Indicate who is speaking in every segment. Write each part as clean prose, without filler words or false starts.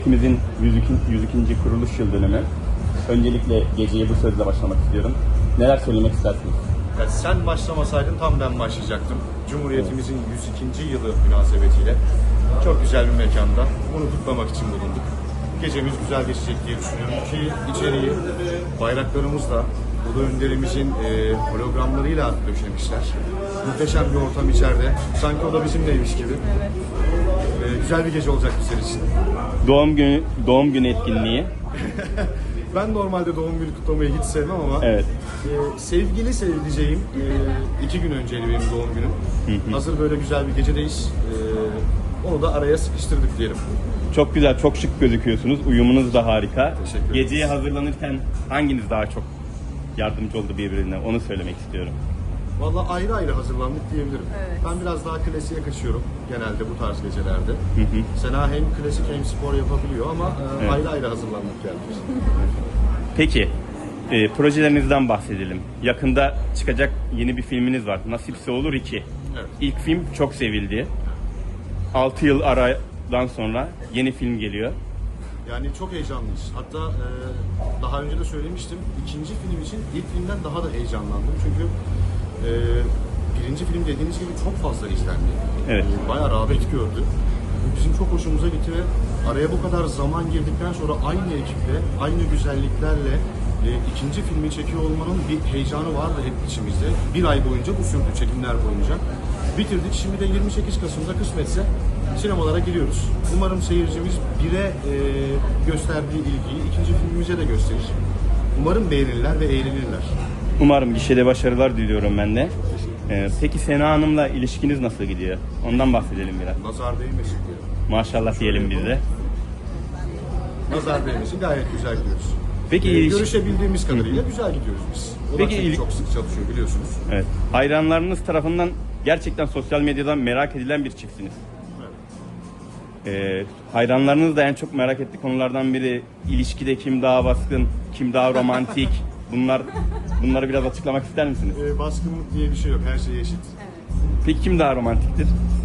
Speaker 1: Ülkemizin 102. kuruluş yıl dönümü. Öncelikle geceye bu sözle başlamak istiyorum. Neler söylemek istersiniz?
Speaker 2: Ya sen başlamasaydın tam ben başlayacaktım. Cumhuriyetimizin 102. yılı münasebetiyle çok güzel bir mekanda bunu kutlamak için bulunduk. Gecemiz güzel geçecek diye düşünüyorum ki içeriği bayraklarımızla, Ulu Önderimizin hologramlarıyla döşemişler. Muhteşem bir ortam içeride. Sanki o da bizimleymiş gibi. Güzel bir gece olacak bizler için.
Speaker 1: Doğum günü etkinliği.
Speaker 2: Ben normalde doğum günü kutlamayı hiç sevmem ama
Speaker 1: Evet.
Speaker 2: sevgili sevdiceğim 2 gün önceydi benim doğum günüm. Hazır böyle güzel bir gecedeyiz. Onu da araya sıkıştırdık diyelim.
Speaker 1: Çok güzel, çok şık gözüküyorsunuz. Uyumunuz da harika.
Speaker 2: Teşekkür ederim.
Speaker 1: Geceye hazırlanırken hanginiz daha çok yardımcı oldu birbirine? Onu söylemek istiyorum.
Speaker 2: Vallahi ayrı ayrı hazırlandık diyebilirim.
Speaker 3: Evet.
Speaker 2: Ben biraz daha klasiğe kaçıyorum genelde bu tarz gecelerde. Sena hem klasik hem spor yapabiliyor ama
Speaker 1: Evet.
Speaker 2: ayrı ayrı hazırlandık geldik.
Speaker 1: Peki, projelerinizden bahsedelim. Yakında çıkacak yeni bir filminiz var. Nasipse Olur 2.
Speaker 2: Evet.
Speaker 1: İlk film çok sevildi. 6 yıl aradan sonra yeni film geliyor.
Speaker 2: Yani çok heyecanlıyız. Hatta daha önce de söylemiştim. İkinci film için ilk filmden daha da heyecanlandım. Çünkü birinci film dediğiniz gibi çok fazla izlendi.
Speaker 1: Evet.
Speaker 2: Bayağı rağbet gördü. Bizim çok hoşumuza gitti ve araya bu kadar zaman girdikten sonra aynı ekiple, aynı güzelliklerle ikinci filmi çekiyor olmanın bir heyecanı vardı hep içimizde. Bir ay boyunca bu sürdü, çekimler boyunca. Bitirdik. Şimdi de 28 Kasım'da kısmetse sinemalara giriyoruz. Umarım seyircimiz bire gösterdiği ilgiyi ikinci filmimize de gösterir. Umarım beğenirler ve eğlenirler.
Speaker 1: Umarım gişede başarılar diliyorum ben de. Peki Sena Hanım'la ilişkiniz nasıl gidiyor? Ondan bahsedelim biraz.
Speaker 2: Nazar değmesin diyelim.
Speaker 1: Maşallah diyelim biz de.
Speaker 2: Nazar değmesin, gayet güzel gidiyoruz.
Speaker 1: Peki
Speaker 2: Görüşebildiğimiz kadarıyla güzel gidiyoruz biz. O da
Speaker 1: Peki
Speaker 2: çünkü çok sık çalışıyor biliyorsunuz.
Speaker 1: Evet. Hayranlarınız tarafından gerçekten sosyal medyadan merak edilen bir çiftsiniz. Hayranlarınız da en çok merak ettiği konulardan biri ilişkide kim daha baskın, kim daha romantik. Bunları biraz açıklamak ister misiniz?
Speaker 2: Baskınlık diye bir şey yok, her şey eşit.
Speaker 1: Peki kim daha romantiktir?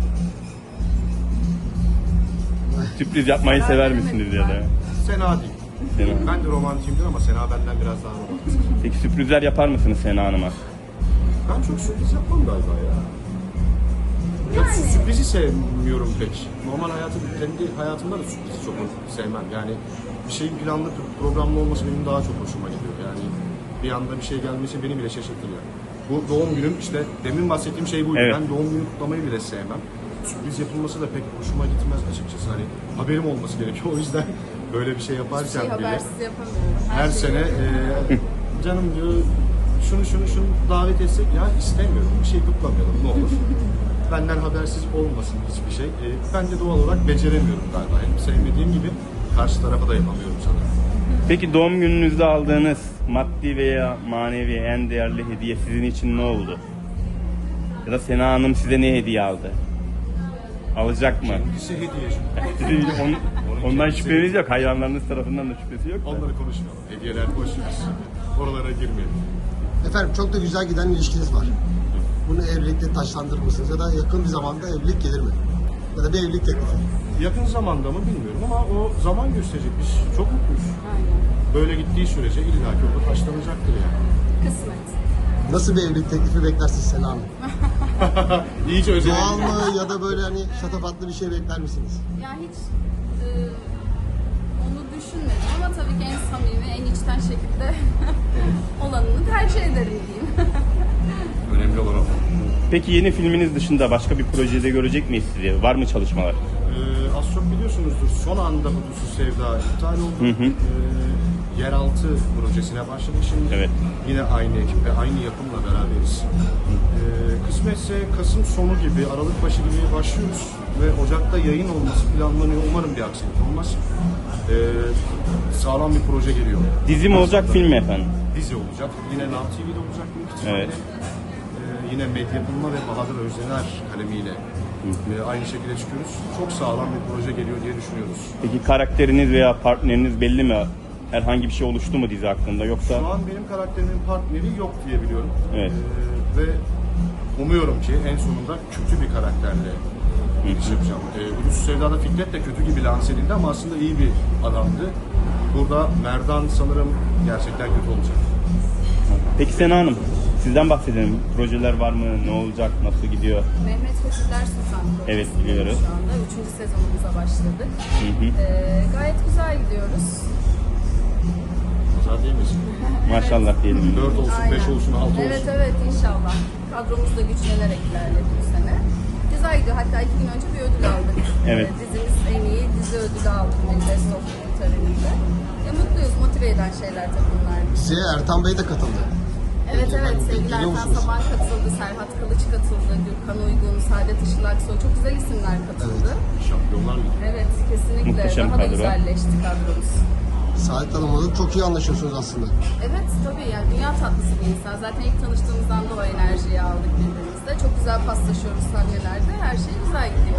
Speaker 1: Sürpriz yapmayı sever misiniz ya da?
Speaker 2: Sena değil.
Speaker 1: Sena.
Speaker 2: Ben de romantiyimdir ama Sena benden biraz daha romantik.
Speaker 1: Peki sürprizler yapar mısınız Sena Hanım'a?
Speaker 2: Ben çok sürpriz yapmam galiba ya. Sürprizi sevmiyorum pek. Normal kendi hayatımda da sürprizi çok sevmem. Yani bir şeyin planlı, programlı olması benim daha çok hoşuma gidiyor. Yani bir anda bir şey gelmesi beni bile şaşırtır yani. Bu doğum günüm işte demin bahsettiğim şey buydu.
Speaker 1: Evet.
Speaker 2: Ben doğum günü kutlamayı bile sevmem. Sürpriz yapılması da pek hoşuma gitmez açıkçası. Hani haberim olması gerekiyor. O yüzden böyle bir şey yaparken
Speaker 3: Hiçbir şey
Speaker 2: bile
Speaker 3: habersiz yapamıyorum.
Speaker 2: her
Speaker 3: şeyi
Speaker 2: sene
Speaker 3: yapıyorum.
Speaker 2: canım diyor şunu davet etsek ya istemiyorum. Bir şey kutlamayalım ne olur. Benden habersiz olmasın hiçbir şey. Ben de doğal olarak beceremiyorum galiba. Hem sevmediğim gibi karşı tarafa da yapamıyorum sanırım.
Speaker 1: Peki doğum gününüzde aldığınız maddi veya manevi en değerli hediye sizin için ne oldu? Ya da Sena Hanım size ne hediye aldı? Alacak mı?
Speaker 2: Kendisi hediyeci.
Speaker 1: Sizin ondan
Speaker 2: kendisi-
Speaker 1: şüpheniz yok. Hayranlarınız tarafından da şüphesi yok da.
Speaker 2: Onları konuşmayalım. Hediyeler boş ver. Oralara girmeyelim.
Speaker 4: Efendim çok da güzel giden ilişkiniz var. Bunu evlilikle taşlandırır mısınız ya da yakın bir zamanda evlilik gelir mi? Ya da bir evlilik teklifi.
Speaker 2: Yakın zamanda mı bilmiyorum ama o zaman gösterecek. Biz çok mutluyuz. Böyle gittiği sürece illaki orada taşlanacaktır yani.
Speaker 3: Kısmet.
Speaker 4: Nasıl bir evlilik teklifi beklersiniz Sena Hanım?
Speaker 2: İyice özel.
Speaker 4: Doğal mı ya da böyle hani şatafatlı bir şey bekler misiniz?
Speaker 3: Ya hiç onu düşünmedim ama tabii ki en samimi, en içten şekilde olanını tercih ederim diyeyim.
Speaker 2: Önemli olan o.
Speaker 1: Peki yeni filminiz dışında başka bir projede görecek miyiz sizi? Var mı çalışmalar?
Speaker 2: Az çok biliyorsunuzdur. Son anda Hudutsuz Sevda iptal oldu. Yeraltı projesine başladık şimdi.
Speaker 1: Evet.
Speaker 2: Yine aynı ekiple, aynı yapımla beraberiz. Kısmetse Kasım sonu gibi, Aralık başı gibi başlıyoruz. Ve Ocak'ta yayın olması planlanıyor. Umarım bir aksilik olmaz. Sağlam bir proje geliyor.
Speaker 1: Dizi mi olacak, film mi efendim?
Speaker 2: Dizi olacak. Yine Now TV'de olacak büyük ihtimalle.
Speaker 1: Evet.
Speaker 2: Yine Medya Bulma ve Bahadır Özdener kalemiyle aynı şekilde çıkıyoruz. Çok sağlam bir proje geliyor diye düşünüyoruz.
Speaker 1: Peki karakteriniz veya partneriniz belli mi? Herhangi bir şey oluştu mu dizi hakkında yoksa?
Speaker 2: Şu an benim karakterimin partneri yok diye biliyorum.
Speaker 1: Evet.
Speaker 2: Ve umuyorum ki en sonunda kötü bir karakterle giriş yapacağım. Hudutsuz Sevda'da Fikret de kötü gibi lanse edildi ama aslında iyi bir adamdı. Burada Merdan sanırım gerçekten kötü olacak.
Speaker 1: Peki Sena Hanım, sizden bahsedelim. Projeler var mı? Ne olacak? Nasıl gidiyor?
Speaker 3: Mehmet Fethiler Sultan projesi
Speaker 1: Evet, biliyoruz.
Speaker 3: şu anda. 3. sezonumuza başladık.
Speaker 1: Hı hı.
Speaker 3: Gayet güzel gidiyoruz.
Speaker 2: Pazar değil misin?
Speaker 1: Maşallah diyelim.
Speaker 2: 4 olsun, 5
Speaker 3: Aynen.
Speaker 2: olsun, 6 olsun.
Speaker 3: Evet inşallah. Kadromuz da güçlenerek ilerledi bu sene. Güzel gidiyor. Hatta 2 gün önce bir ödül aldık.
Speaker 1: Evet.
Speaker 3: Dizimiz en iyi dizi ödülü aldık. Best of töreninde. Mutluyuz. Motive eden şeyler tabii bunlar.
Speaker 4: Size Ertan Bey de katıldı.
Speaker 3: Evet sevgili
Speaker 4: Geliyor
Speaker 3: Ertan
Speaker 4: musunuz?
Speaker 3: Saban katıldı. Serhat Kılıç katıldı. Gürkan Uygun, Saadet Işıl Aksoy. Çok güzel isimler katıldı.
Speaker 2: Şampiyonlar Ligi.
Speaker 3: Evet kesinlikle.
Speaker 1: Muhteşem
Speaker 3: Daha da
Speaker 1: kadro.
Speaker 3: güzelleşti kadromuz.
Speaker 4: Saadet Hanım'la da çok iyi anlaşıyorsunuz aslında.
Speaker 3: Evet tabii yani dünya tatlısı bir insan. Zaten ilk tanıştığımızdan da o enerjiyi aldık birbirimizde. Çok güzel paslaşıyoruz sahnelerde. Her şey güzel gidiyor.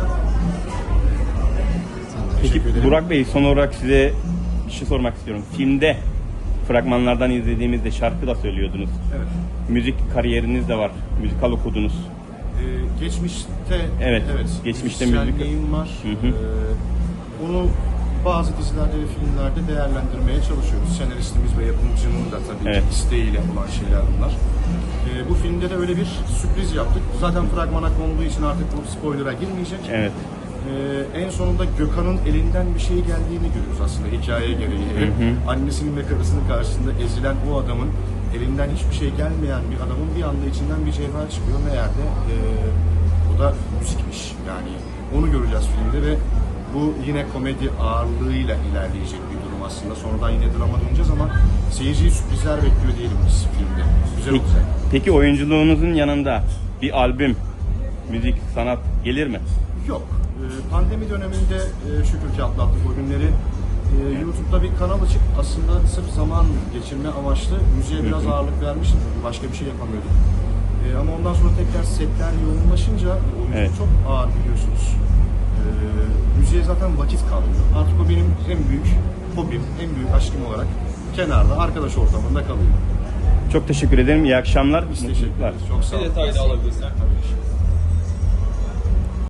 Speaker 1: Peki
Speaker 2: Teşekkür ederim.
Speaker 1: Burak Bey, son olarak size bir şey sormak istiyorum. Filmde fragmanlardan izlediğimizde şarkı da söylüyordunuz.
Speaker 2: Evet.
Speaker 1: Müzik kariyeriniz de var. Müzikal okudunuz.
Speaker 2: Geçmişte
Speaker 1: Evet, geçmişte
Speaker 2: müzisyenliğim var.
Speaker 1: Hı hı.
Speaker 2: Onu bazı dizilerde ve filmlerde değerlendirmeye çalışıyoruz. Senaristimiz ve yapımcının da tabii
Speaker 1: Evet.
Speaker 2: ki isteğiyle olan şeyler bunlar. Bu filmde de öyle bir sürpriz yaptık. Zaten fragmana konduğu için artık bu spoiler'a girmeyecek.
Speaker 1: Evet.
Speaker 2: En sonunda Gökhan'ın elinden bir şey geldiğini görüyoruz aslında hikaye gereği. Annesinin ve karısının karşısında ezilen o adamın elinden hiçbir şey gelmeyen bir adamın bir anda içinden bir cevher çıkıyor. Meğer de o da müzikmiş. Yani onu göreceğiz filmde ve bu yine komedi ağırlığıyla ilerleyecek bir durum aslında. Sonradan yine drama döneceğiz ama seyirciyi sürprizler bekliyor diyelim biz filmde. Güzel
Speaker 1: Peki,
Speaker 2: olacak.
Speaker 1: peki oyunculuğunuzun yanında bir albüm, müzik, sanat gelir mi?
Speaker 2: Yok. Pandemi döneminde şükür ki atlattık o günleri. YouTube'da bir kanal açıp aslında sırf zaman geçirme amaçlı müziğe biraz ağırlık vermiştim. Çünkü başka bir şey yapamıyorduk. Ama ondan sonra tekrar setler yoğunlaşınca oyunculuk
Speaker 1: Evet.
Speaker 2: çok ağır biliyorsunuz. Müziğe zaten vakit kalmıyor. Artık o benim en büyük hobim, en büyük aşkım olarak kenarda, arkadaş ortamında kalıyor.
Speaker 1: Çok teşekkür ederim. İyi akşamlar.
Speaker 2: Biz teşekkür
Speaker 1: Mutluluklar.
Speaker 2: ederiz. Çok sağ olun.
Speaker 5: Bir detay da alabilirsin.
Speaker 2: Tabii ki.